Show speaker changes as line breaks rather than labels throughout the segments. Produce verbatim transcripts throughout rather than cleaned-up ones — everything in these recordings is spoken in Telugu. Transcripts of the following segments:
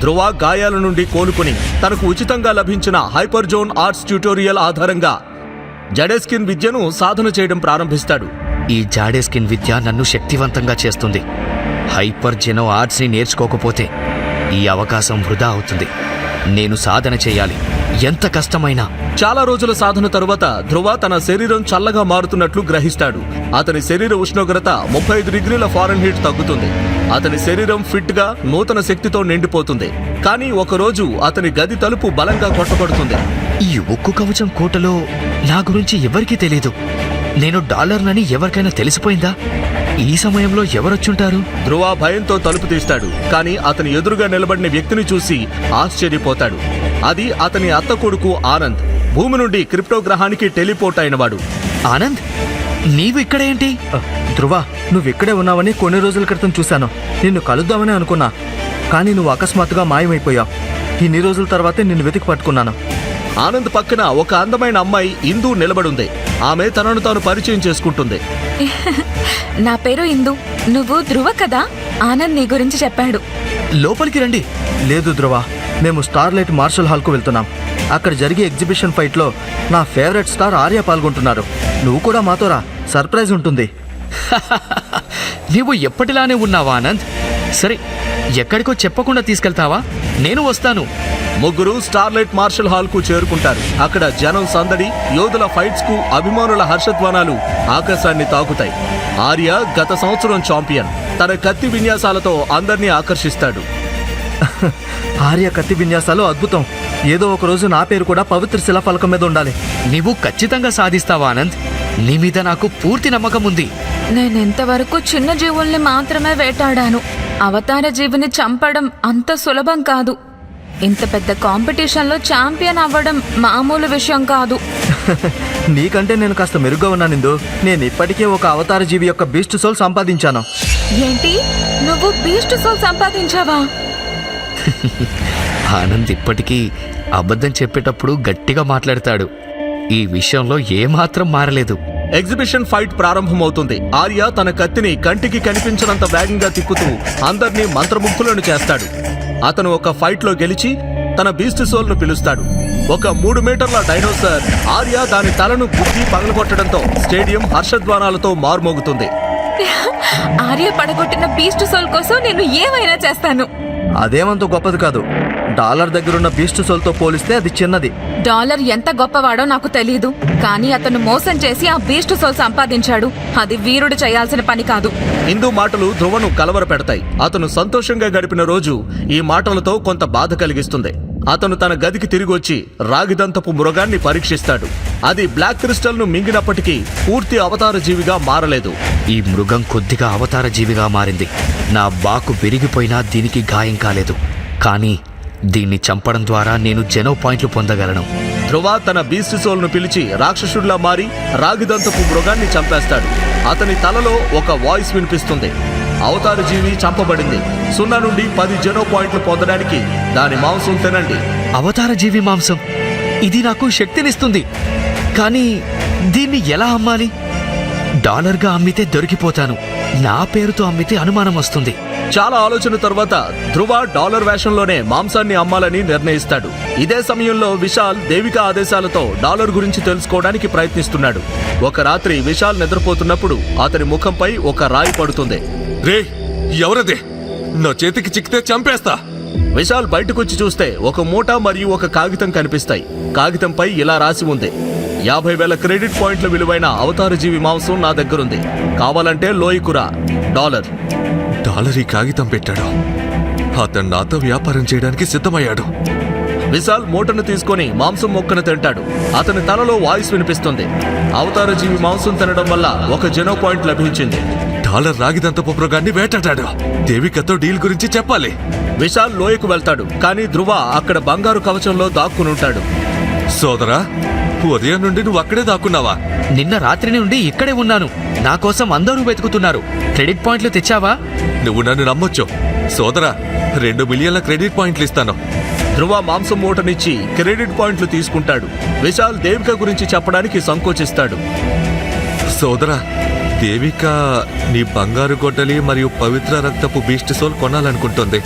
ధ్రువ గాయాల నుండి కోలుకుని తనకు ఉచితంగా లభించిన హైపర్ జోన్ ఆర్ట్స్ ట్యూటోరియల్ ఆధారంగా జడేస్కిన్ విద్యను సాధన చేయడం ప్రారంభిస్తాడు.
ఈ జాడేస్కిన్ విద్య నన్ను శక్తివంతంగా చేస్తుంది. హైపర్ జెనో ఆర్ట్స్ని నేర్చుకోకపోతే ఈ అవకాశం వృధా అవుతుంది. నేను సాధన చేయాలి, ఎంత కష్టమైనా.
చాలా రోజుల సాధన తరువాత ధ్రువ తన శరీరం చల్లగా మారుతున్నట్లు గ్రహిస్తాడు. అతని శరీర ఉష్ణోగ్రత ముప్పై ఐదు డిగ్రీల ఫారెన్హీట్ తగ్గుతుంది. అతని శరీరం ఫిట్ గా నూతన శక్తితో నిండిపోతుంది. కానీ ఒకరోజు అతని గది తలుపు బలంగా కొట్టబడుతుంది.
ఈ ఉక్కు కవచం కోటలో నా గురించి ఎవరికీ తెలీదు. నేను డాలర్నని ఎవరికైనా తెలిసిపోయిందా? ఈ సమయంలో ఎవరొచ్చుంటారు?
ధ్రువ భయంతో తలుపు తీస్తాడు. కానీ అతని ఎదురుగా నిలబడిన వ్యక్తిని చూసి ఆశ్చర్యపోతాడు. అది అతని అత్త కొడుకు ఆనంద్, భూమి నుండి క్రిప్టో గ్రహానికి టెలిపోర్ట్ అయినవాడు.
ఆనంద్, నీవు ఇక్కడేంటి?
ధ్రువ, నువ్విక్కడే ఉన్నావని కొన్ని రోజుల క్రితం చూశాను. నిన్ను కలుద్దామని అనుకున్నా, కానీ నువ్వు అకస్మాత్తుగా మాయమైపోయావు. ఇన్ని రోజుల తర్వాతే నిన్ను వెతికి పట్టుకున్నాను.
ఆనంద్ పక్కన ఒక అందమైన అమ్మాయి ఇందు నిలబడుంది. ఆమె తనను తాను పరిచయం చేసుకుంటుంది.
నా పేరు ఇందు. నువ్వు ధ్రువ కదా? ఆనంద్ నీ గురించి చెప్పాడు.
లోపలికి రండి.
లేదు ధ్రువ, మేము స్టార్లైట్ మార్షల్ హాల్కు వెళ్తున్నాం. అక్కడ జరిగే ఎగ్జిబిషన్ ఫైట్లో నా ఫేవరెట్ స్టార్ ఆర్య పాల్గొంటున్నారు. నువ్వు కూడా మాతో రా, సర్ప్రైజ్ ఉంటుంది.
నీవు ఎప్పటిలానే ఉన్నావా ఆనంద్? సరే, ఎక్కడికో చెప్పకుండా తీసుకెళ్తావా? నేను వస్తాను.
ముగ్గురు స్టార్లైట్ మార్షల్ హాల్ కు చేరుకుంటారు. అక్కడ జనం సందడి, యోధుల ఫైట్స్ కు అభిమానుల హర్షధ్వానాలు ఆకాశాన్ని తాకుతాయి. ఆర్య గత సంవత్సరం ఛాంపియన్. తన కత్తి విన్యాసాలతో అందర్నీ ఆకర్షిస్తాడు.
ఆర్య కత్తి విన్యాసాలు అద్భుతం. ఏదో ఒక రోజు నా పేరు కూడా పవిత్ర శిలాఫలకం మీద ఉండాలి.
నీవు ఖచ్చితంగా సాధిస్తావా ఆనంద్? నీ మీద నాకు పూర్తి నమ్మకం ఉంది.
నేనెంతవరకు చిన్న జీవుల్ని మాత్రమే వేటాడాను. అవతార జీవిని చంపడం అంత సులభం కాదు. ఇంత పెద్ద కాంపిటీషన్లో ఛాంపియన్ అవ్వడం మామూలు విషయం కాదు.
నీకంటే నేను కాస్త మెరుగ్గా ఉన్నాను ఇందు. నేను ఇప్పటికే ఒక అవతార జీవి యొక్క బీస్ట్ సోల్ సంపాదించాను.
ఏంటి, నువ్వు బీస్ట్ సోల్ సంపాదించావా?
ఆనంద్ ఇప్పటికీ అబద్ధం చెప్పేటప్పుడు గట్టిగా మాట్లాడతాడు. ఈ విషయంలో ఏమాత్రం మారలేదు.
ఎగ్జిబిషన్ ఫైట్ ప్రారంభమవుతుంది. ఆర్య తన కత్తిని కంటికి కనిపించినంత వేగంగా తిప్పుతూ అందర్నీ మంత్రముగ్ధులను చేస్తాడు. అతను ఒక ఫైట్ లో గెలిచి తన బీస్ట్ సోల్ ను పిలుస్తాడు. ఒక మూడు మీటర్ల డైనోసార్ ఆర్య దాని తలను గుద్ది పగలగొట్టడంతో స్టేడియం హర్షధ్వానాలతో మారుమోగుతుంది.
ఆర్య పడగొట్టిన బీస్ట్ సోల్ కోసం నేను ఏమైనా చేస్తాను.
అదేమంత గొప్పది కాదు. డాలర్ దగ్గరున్న బీస్ట్ సోల్తో పోలిస్తే అది చిన్నది.
డాలర్ ఎంత గొప్పవాడో నాకు తెలీదు, కానీ అతను మోసం చేసి ఆ బీస్ట్ సోల్ సంపాదించాడు. అది వీరుడు చేయాల్సిన పని కాదు.
ఇందు మాటలు ధ్రువను కలవర పెడతాయి. అతను సంతోషంగా గడిపిన రోజు ఈ మాటలతో కొంత బాధ కలిగిస్తుంది. అతను తన గదికి తిరిగి వచ్చి రాగిదంతపు మృగాన్ని పరీక్షిస్తాడు. అది బ్లాక్ క్రిస్టల్ ను మింగినప్పటికీ పూర్తి అవతార జీవిగా మారలేదు.
ఈ మృగం కొద్దిగా అవతార జీవిగా మారింది. నా బాకు విరిగిపోయినా దీనికి గాయం కాలేదు. కానీ దీన్ని చంపడం ద్వారా నేను జెనో పాయింట్లు పొందగలను.
ధ్రువ తన బీస్ట్ సోల్ ను పిలిచి రాక్షసుడిలా మారి రాగిదంతపు మృగాన్ని చంపేస్తాడు. అతని తలలో ఒక వాయిస్ వినిపిస్తుంది. అవతార జీవి చంపబడింది. సున్నా నుండి పది జెనో పాయింట్లు పొందడానికి దాని మాంసం తినండి.
అవతార జీవి మాంసం, ఇది నాకు శక్తినిస్తుంది. కానీ దీన్ని ఎలా అమ్మాలి? డాలర్గా అమ్మితే దొరికిపోతాను. నా పేరుతో అమ్మితే అనుమానం వస్తుంది.
చాలా ఆలోచన తర్వాత ధ్రువ డాలర్ వేషంలోనే మాంసాన్ని అమ్మాలని నిర్ణయిస్తాడు. ఇదే సమయంలో విశాల్ దేవిక ఆదేశాలతో డాలర్ గురించి తెలుసుకోవడానికి ప్రయత్నిస్తున్నాడు. ఒక రాత్రి విశాల్ నిద్రపోతున్నప్పుడు అతని ముఖంపై ఒక రాయి పడుతుంది.
రే, ఎవరదే? నా చేతికి చిక్కితే చంపేస్తా.
విశాల్ బయటకొచ్చి చూస్తే ఒక మూట మరియు ఒక కాగితం కనిపిస్తాయి. కాగితంపై ఇలా రాసి ఉంది: యాభై వేల క్రెడిట్ పాయింట్ల విలువైన అవతార జీవి మాంసం నా దగ్గరుంది. కావాలంటే లోయకురా, డాలర్.
డాలర్ ఈ కాగితం పెట్టాడు. అతను నాతో వ్యాపారం చేయడానికి సిద్ధమయ్యాడు.
విశాల్ మూటను తీసుకొని మాంసం మొక్కను తింటాడు. అతని తలలో వాయిస్ వినిపిస్తుంది. అవతార జీవి మాంసం తినడం వల్ల ఒక జెనో పాయింట్ లభించింది.
డాలర్ రాగిదంతపు మృగాన్ని వేటాడాడు. దేవికతో డీల్ గురించి చెప్పాలి.
విశాల్ లోయకు వెళ్తాడు. కానీ ధ్రువ అక్కడ బంగారు కవచంలో దాక్కునుంటాడు.
సోదరా, ఉదయం నుండి నువ్వు అక్కడే దాక్కున్నావా?
నిన్న రాత్రి నుండి ఇక్కడే ఉన్నాను. నా కోసం అందరూ వెతుకుతున్నారు. క్రెడిట్ పాయింట్లు తెచ్చావా?
నువ్వు నన్ను నమ్మొచ్చు సోదరా. రెండు మిలియన్ల క్రెడిట్ పాయింట్లు ఇస్తాను.
ధ్రువ మాంసం మూటనిచ్చి క్రెడిట్ పాయింట్లు తీసుకుంటాడు. విశాల్ దేవిక గురించి చెప్పడానికి సంకోచిస్తాడు.
సోదరా, దేవిక నీ బంగారు గొడ్డలి మరియు పవిత్ర రక్తపు బీస్ట్ సోల్ కొనాలనుకుంటుంది.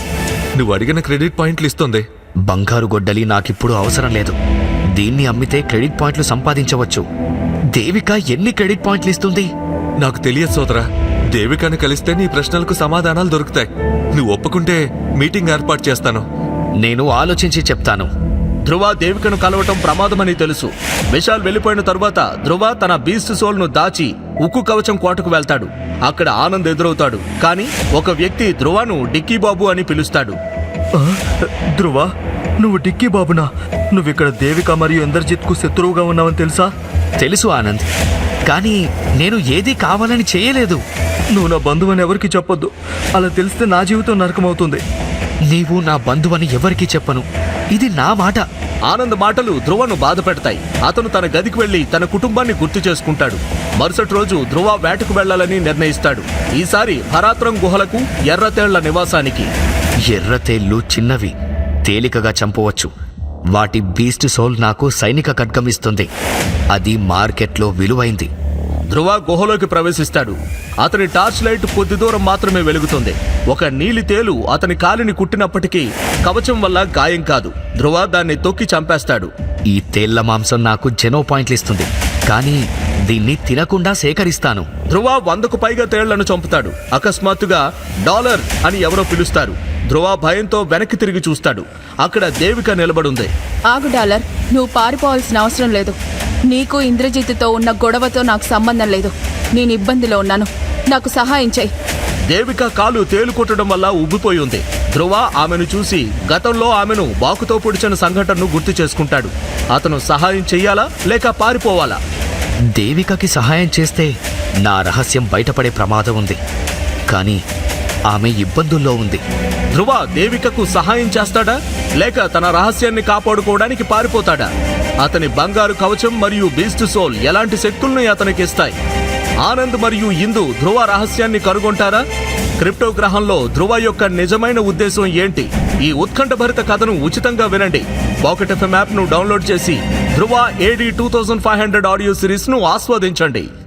నువ్వు అడిగిన క్రెడిట్ పాయింట్లు ఇస్తుంది.
బంగారు గొడ్డలి నాకిప్పుడు అవసరం లేదు. దీన్ని అమ్మితే క్రెడిట్ పాయింట్లు సంపాదించవచ్చు. దేవిక ఎన్ని క్రెడిట్ పాయింట్లు ఇస్తుంది?
నాకు తెలియదు సోదరా. దేవికను కలిస్తే నీ ప్రశ్నలకు సమాధానాలు దొరుకుతాయి. నువ్వు ఒప్పుకుంటే మీటింగ్ ఏర్పాటు చేస్తాను.
నేను ఆలోచించి చెప్తాను.
ధ్రువ దేవికను కలవటం ప్రమాదమని తెలుసు. విశాల్ వెళ్ళిపోయిన తరువాత ధ్రువ తన బీస్ట్ సోల్ ను దాచి ఉక్కు కవచం కోటకు వెళ్తాడు. అక్కడ ఆనంద్ ఎదురవుతాడు. కానీ ఒక వ్యక్తి ధ్రువను డిక్కీ బాబు అని పిలుస్తాడు.
ఆ, ధ్రువ, నువ్వు డిక్కీ బాబునా? నువ్వు ఇక్కడ దేవిక మరియు ఇంద్రజిత్ కు శత్రువుగా ఉన్నావని తెలుసా?
తెలుసు ఆనంద్, కానీ నేను ఏదీ కావాలని చేయలేదు.
నువ్వు నా బంధువని ఎవరికి చెప్పొద్దు. అలా తెలిస్తే నా జీవితం నరకమవుతుంది.
నీవు నా బంధువని ఎవరికీ చెప్పను. ఇది నా మాట.
ఆనంద్ మాటలు ధ్రువను బాధ పెడతాయి. అతను తన గదికి వెళ్లి తన కుటుంబాన్ని గుర్తు చేసుకుంటాడు. మరుసటి రోజు ధ్రువ వేటకు వెళ్లాలని నిర్ణయిస్తాడు. ఈసారి భరాత్రం గుహలకు ఎర్రతేళ్ల నివాసానికి.
ఎర్రతేళ్లు చిన్నవి, తేలికగా చంపవచ్చు. వాటి బీస్ట్ సోల్ నాకు సైనిక ఖడ్గం ఇస్తుంది. అది మార్కెట్లో విలువైంది.
ధ్రువ గుహలోకి ప్రవేశిస్తాడు. అతని టార్చ్ లైట్ కొద్ది దూరం మాత్రమే వెలుగుతుంది. ఒక నీలి తేలు అతని కాలిని కుట్టినప్పటికీ కవచం వల్ల గాయం కాదు. ధ్రువ దాన్ని తొక్కి చంపేస్తాడు.
ఈ తేళ్ల మాంసం నాకు జెనో పాయింట్లు ఇస్తుంది, కానీ దీన్ని తినకుండా సేకరిస్తాను.
ధ్రువ వందకు పైగా తేళ్లను చంపుతాడు. అకస్మాత్తుగా డాలర్ అని ఎవరో పిలుస్తారు. ధ్రువ భయంతో వెనక్కి తిరిగి చూస్తాడు. అక్కడ దేవిక నిలబడుంది.
ఆగు డాలర్, నువ్వు పారిపోవాల్సిన అవసరం లేదు. నీకు ఇంద్రజిత్తుతో ఉన్న గొడవతో నాకు సంబంధం లేదు. నేను ఇబ్బందిలో ఉన్నాను. నాకు సహాయం చేయి.
దేవిక కాలు తేలు కొట్టడం వల్ల ఉబ్బిపోయి ఉంది. ధ్రువ ఆమెను చూసి గతంలో ఆమెను బాకుతో పొడిచిన సంఘటనను గుర్తు చేసుకుంటాడు. అతను సహాయం చెయ్యాలా లేక పారిపోవాలా?
దేవికకి సహాయం చేస్తే నా రహస్యం బయటపడే ప్రమాదం ఉంది, కానీ ఆమె ఇబ్బందుల్లో ఉంది.
ధ్రువ దేవికకు సహాయం చేస్తాడా లేక తన రహస్యాన్ని కాపాడుకోవడానికి పారిపోతాడా? అతని బంగారు కవచం మరియు బీస్ట్ సోల్ ఎలాంటి శక్తుల్ని అతనికి ఇస్తాయి? ఆనంద్ మరియు ఇందు ధ్రువ రహస్యాన్ని కనుగొంటారా? క్రిప్టో గ్రహంలో ధ్రువ యొక్క నిజమైన ఉద్దేశం ఏంటి? ఈ ఉత్కంఠభరిత కథను ఉచితంగా వినండి. పాకెట్ ఎఫ్ఎం యాప్ ను డౌన్లోడ్ చేసి Dhruva AD two thousand five hundred audio series ను ఆస్వాదించండి.